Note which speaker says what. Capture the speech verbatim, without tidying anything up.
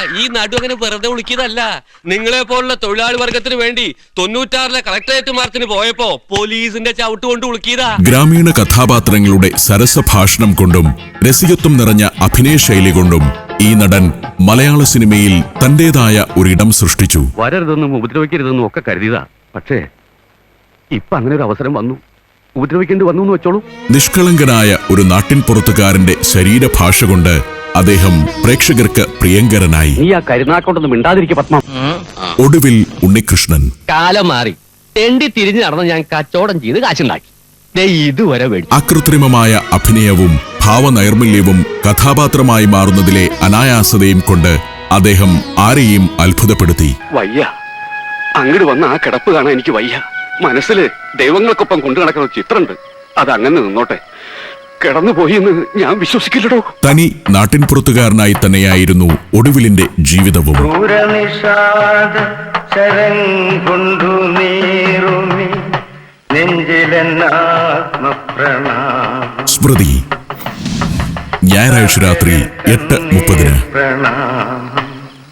Speaker 1: ഈ നടു അങ്ങനെ വെറുതെ വിളിക്കുന്നതല്ല. നിങ്ങളെ പോലുള്ള തൊഴിലാളി വർഗത്തിന് വേണ്ടി തൊണ്ണൂറ്റാറിലെ കളക്ടറേറ്റ് മാർച്ചിന് പോയപ്പോ പോലീസിന്റെ ചവിട്ട് കൊണ്ട് വിളിക്കിയതാ.
Speaker 2: ഗ്രാമീണ കഥാപാത്രങ്ങളുടെ സരസഭാഷണം കൊണ്ടും രസികത്വം നിറഞ്ഞ അഭിനയ ശൈലി കൊണ്ടും ഈ നടൻ മലയാള സിനിമയിൽ തന്റേതായ ഒരിടം സൃഷ്ടിച്ചു.
Speaker 3: വരരുതെന്നും ഉപദ്രവിക്കരുതെന്നും ഒക്കെ കരുതിയതാ. പക്ഷേ ഇപ്പൊ അങ്ങനെ ഒരു അവസരം വന്നു, ഉപദ്രവിക്കേണ്ടി വന്നു എന്ന് വെച്ചോളൂ.
Speaker 2: നിഷ്കളങ്കനായ ഒരു നാട്ടിൻ പുറത്തുകാരന്റെ ശരീരഭാഷ കൊണ്ട് അദ്ദേഹം പ്രേക്ഷകർക്ക് പ്രിയങ്കരനായി.
Speaker 3: നീ ആ കരുനാക്കൊണ്ടൊന്നും മിണ്ടാതിരിക്കുക പത്മ.
Speaker 2: ഒടുവിൽ ഉണ്ണികൃഷ്ണൻ.
Speaker 1: കാലം മാറി, തെണ്ടി തിരിഞ്ഞു നടന്ന് ഞാൻ കച്ചവടം ചെയ്ത് കാശുണ്ടാക്കി. ഇതുവരെ
Speaker 2: അകൃത്രിമമായ അഭിനയവും ഭാവനൈർമല്യവും കഥാപാത്രമായി മാറുന്നതിലെ അനായാസതയും കൊണ്ട് അദ്ദേഹം ആരെയും അത്ഭുതപ്പെടുത്തി.
Speaker 3: വയ്യ, അങ്ങോട്ട് വന്ന ആ കിടപ്പ് കാണാൻ എനിക്ക് വയ്യ. മനസ്സില് ദൈവങ്ങൾക്കൊപ്പം കൊണ്ടു നടക്കുന്ന ചിത്രമുണ്ട്, അതങ്ങനെ നിന്നോട്ടെ. കിടന്നുപോയി എന്ന് ഞാൻ വിശ്വസിക്കില്ലടോ.
Speaker 2: തനി നാട്ടിൻപുറത്തുകാരനായി തന്നെയായിരുന്നു ഒടുവിലിന്റെ ജീവിതവും. സ്മൃതി, ഞായറാഴ്ച രാത്രി എട്ട് മുപ്പതിന്.